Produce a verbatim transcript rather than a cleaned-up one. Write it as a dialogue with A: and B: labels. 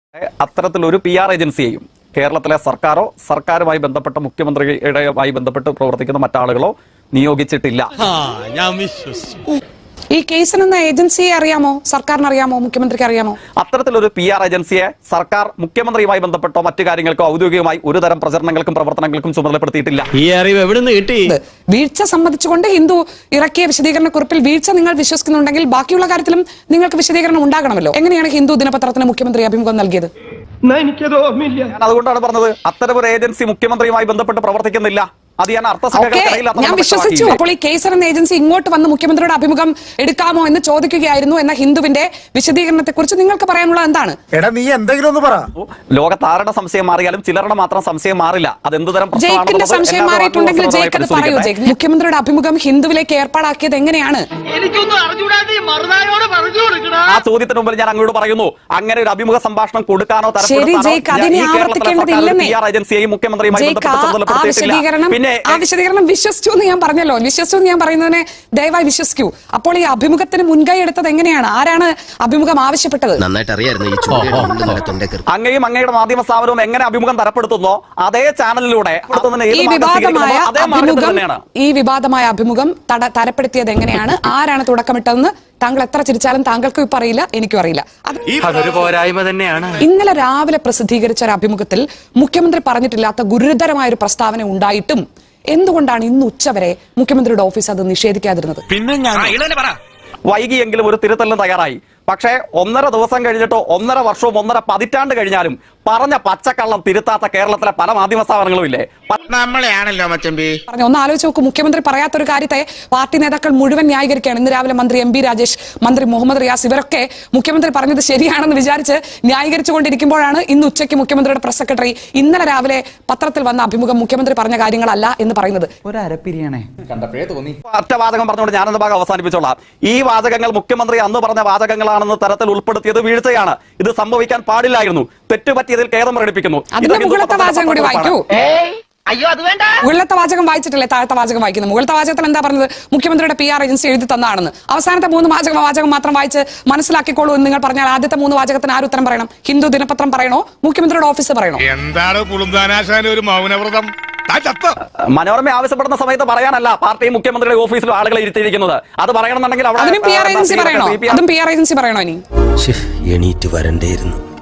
A: അത്തരത്തിലൊരു P R ഏജൻസിയെയും കേരളത്തിലെ സർക്കാരോ സർക്കാരുമായി ബന്ധപ്പെട്ട മുഖ്യമന്ത്രിയുടെയുമായി ബന്ധപ്പെട്ട് പ്രവർത്തിക്കുന്ന മറ്റാളുകളോ നിയോഗിച്ചിട്ടില്ല.
B: ഈ കേസിന് ഏജൻസിയെ അറിയാമോ? സർക്കാരിന് അറിയാമോ? മുഖ്യമന്ത്രിക്ക് അറിയാമോ?
A: അത്തരത്തിലൊരു പി ആർ ഏജൻസിയെ സർക്കാർ മുഖ്യമന്ത്രിയുമായി ബന്ധപ്പെട്ടോ മറ്റു കാര്യങ്ങൾക്കോ ഔദ്യോഗികമായി ഒരു തരം പ്രചരണങ്ങൾക്കും പ്രവർത്തനങ്ങൾക്കും ചുമതലപ്പെടുത്തിയിട്ടില്ല.
C: ഈ അറിവ് എവിടെ നിന്ന് കിട്ടി?
B: വീഴ്ച സംബന്ധിച്ചുകൊണ്ട് ഹിന്ദു ഇറക്കിയ വിശദീകരണ കുറിപ്പിൽ വീഴ്ച നിങ്ങൾ വിശ്വസിക്കുന്നുണ്ടെങ്കിൽ ബാക്കിയുള്ള കാര്യത്തിലും നിങ്ങൾക്ക് വിശദീകരണം ഉണ്ടാകണമല്ലോ. എങ്ങനെയാണ് ഹിന്ദു ദിനപത്രത്തിന് മുഖ്യമന്ത്രി അഭിമുഖം നൽകിയത്?
A: ഞാൻ അതുകൊണ്ടാണ് പറഞ്ഞത് അത്തരമൊരു ഏജൻസി മുഖ്യമന്ത്രിയുമായി ബന്ധപ്പെട്ട് പ്രവർത്തിക്കുന്നില്ല. അത് ഞാൻ
B: ഞാൻ വിശ്വസിച്ചു. അപ്പോൾ ഈ കേസർ എന്ന ഏജൻസി ഇങ്ങോട്ട് വന്ന് മുഖ്യമന്ത്രിയുടെ അഭിമുഖം എടുക്കാമോ എന്ന് ചോദിക്കുകയായിരുന്നു എന്ന ഹിന്ദുവിന്റെ വിശദീകരണത്തെ കുറിച്ച് നിങ്ങൾക്ക് പറയാനുള്ളത് എന്താണ്?
D: എടാ നീ എന്തെങ്കിലും ഒന്ന് പറ.
A: ലോകത്താരുടെ സംശയം മാറിയാലും ചിലരുടെ മാത്രം സംശയം മാറില്ല. അത് എന്തുതരം
B: ജയിക്കിന്റെ സംശയം മാറിയിട്ടുണ്ടെങ്കിൽ ജയിക്ക് അത് പറയൂ. ജയിക്ക് മുഖ്യമന്ത്രിയുടെ അഭിമുഖം ഹിന്ദുവിലേക്ക് ഏർപ്പാടാക്കിയത് എങ്ങനെയാണ്?
A: ആ ചോദ്യത്തിന് മുമ്പിൽ ഞാൻ അങ്ങോട്ട് പറയുന്നു, അങ്ങനെ ഒരു അഭിമുഖ സംഭാഷണം കൊടുക്കാനോ
B: ശരി ജയിക്ക് അതിനെ ആവർത്തിക്കേണ്ടതില്ലെന്നേ.
A: ഏജൻസിയെയും മുഖ്യമന്ത്രിയുമായി
B: ബന്ധപ്പെട്ട് ആ വിശദീകരണം വിശ്വസിച്ചു എന്ന് ഞാൻ പറഞ്ഞല്ലോ. വിശ്വസിച്ചു എന്ന് ഞാൻ പറയുന്നതിനെ ദയവായി വിശ്വസിക്കൂ. അപ്പോൾ ഈ അഭിമുഖത്തിന് മുൻകൈ എടുത്തത് എങ്ങനെയാണ്? ആരാണ് അഭിമുഖം ആവശ്യപ്പെട്ടത്?
A: അങ്ങയും അങ്ങയുടെ മാധ്യമ സ്ഥാപനവും എങ്ങനെ അഭിമുഖം തരപ്പെടുത്തുന്നോ അതേ ചാനലിലൂടെ
B: ഈ വിവാദമായ അഭിമുഖം ഈ വിവാദമായ അഭിമുഖം തരപ്പെടുത്തിയത് എങ്ങനെയാണ്? ആരാണ് തുടക്കമിട്ടതെന്ന് താങ്കൾ എത്ര ചിരിച്ചാലും താങ്കൾക്കും ഇപ്പൊ അറിയില്ല, എനിക്കും അറിയില്ല.
C: അതൊരു പോരായ്മ തന്നെയാണ്.
B: ഇന്നലെ രാവിലെ പ്രസിദ്ധീകരിച്ച ഒരു അഭിമുഖത്തിൽ മുഖ്യമന്ത്രി പറഞ്ഞിട്ടില്ലാത്ത ഗുരുതരമായ ഒരു പ്രസ്താവന ഉണ്ടായിട്ടും എന്തുകൊണ്ടാണ് ഇന്ന് ഉച്ചവരെ മുഖ്യമന്ത്രിയുടെ ഓഫീസ് അത് നിഷേധിക്കാതിരുന്നത്?
A: വൈകിയെങ്കിലും ഒരു തിരുത്തലിന് തയ്യാറായി. പക്ഷേ ഒന്നര ദിവസം കഴിഞ്ഞിട്ടോ ഒന്നര വർഷവും ഒന്നര പതിറ്റാണ്ട് കഴിഞ്ഞാലും പറഞ്ഞ പച്ചക്കള്ളം തിരുത്താത്ത കേരളത്തിലെ പല മാധ്യമ സ്ഥാപനങ്ങളും ഇല്ലേ?
C: നമ്മളെയാണല്ലോ മച്ചമ്പി.
B: ഒന്ന് ആലോചിച്ച് നോക്കൂ. മുഖ്യമന്ത്രി പറയാത്തൊരു കാര്യത്തെ പാർട്ടി നേതാക്കൾ മുഴുവൻ ന്യായീകരിക്കുകയാണ്. ഇന്ന് രാവിലെ മന്ത്രി എം ബി രാജേഷ്, മന്ത്രി മുഹമ്മദ് റിയാസ് ഇവരൊക്കെ മുഖ്യമന്ത്രി പറഞ്ഞത് ശരിയാണെന്ന് വിചാരിച്ച് ന്യായീകരിച്ചുകൊണ്ടിരിക്കുമ്പോഴാണ് ഇന്ന് ഉച്ചയ്ക്ക് മുഖ്യമന്ത്രിയുടെ പ്രസ് സെക്രട്ടറി ഇന്നലെ രാവിലെ പത്രത്തിൽ വന്ന അഭിമുഖം മുഖ്യമന്ത്രി പറഞ്ഞ കാര്യങ്ങളല്ല എന്ന് പറയുന്നത്.
A: ഒറ്റ വാചകം പറഞ്ഞുകൊണ്ട് ഞാനെന്ന ഭാഗം അവസാനിപ്പിച്ചോളാം. ഈ വാചകങ്ങൾ മുഖ്യമന്ത്രി അന്ന് പറഞ്ഞ വാചകങ്ങളാണെന്ന് തരത്തിൽ ഉൾപ്പെടുത്തിയത് വീഴ്ചയാണ്. ഇത് സംഭവിക്കാൻ പാടില്ലായിരുന്നു. തെറ്റുപറ്റിയതിൽ ഖേദം പ്രകടിപ്പിക്കുന്നു.
B: മുകളിലത്തെ വാചകം കൂടി വായിക്കൂ. മുകളിലത്തെ വാചകം വായിച്ചിട്ടല്ലേ താഴത്തെ വാചകം വായിക്കുന്നത്? മുകളിലത്തെ വാചകത്തിൽ എന്താ പറഞ്ഞത്? മുഖ്യമന്ത്രിയുടെ പി ആർ ഏജൻസി എഴുതി തന്നാണെന്ന്. അവസാനത്തെ മൂന്ന് വാചകം വാചകം മാത്രം വായിച്ച് മനസ്സിലാക്കിക്കോളൂ എന്ന് നിങ്ങൾ പറഞ്ഞാൽ ആദ്യത്തെ മൂന്ന് വാചകത്തിന് ആര് ഉത്തരം പറയണം? ഹിന്ദു ദിനപത്രം പറയണോ? മുഖ്യമന്ത്രിയുടെ ഓഫീസ് പറയണോ?
D: എന്താണ് ഒരു മൗനവ്രതം?
A: മനോരമ ആവശ്യപ്പെടുന്ന സമയത്ത് പറയാനല്ല പാർട്ടി മുഖ്യമന്ത്രിയുടെ ഓഫീസിലും ആളുകളെ ഇരുത്തിയിരിക്കുന്നത്. അത് പറയണമെന്നുണ്ടെങ്കിൽ
B: അതിനും പി ആർ ഏജൻസി പറയണോ? അതും പി ആർ ഏജൻസി പറയണോ? ഇനി
E: എണീറ്റ് വരണ്ടേയിരുന്നു.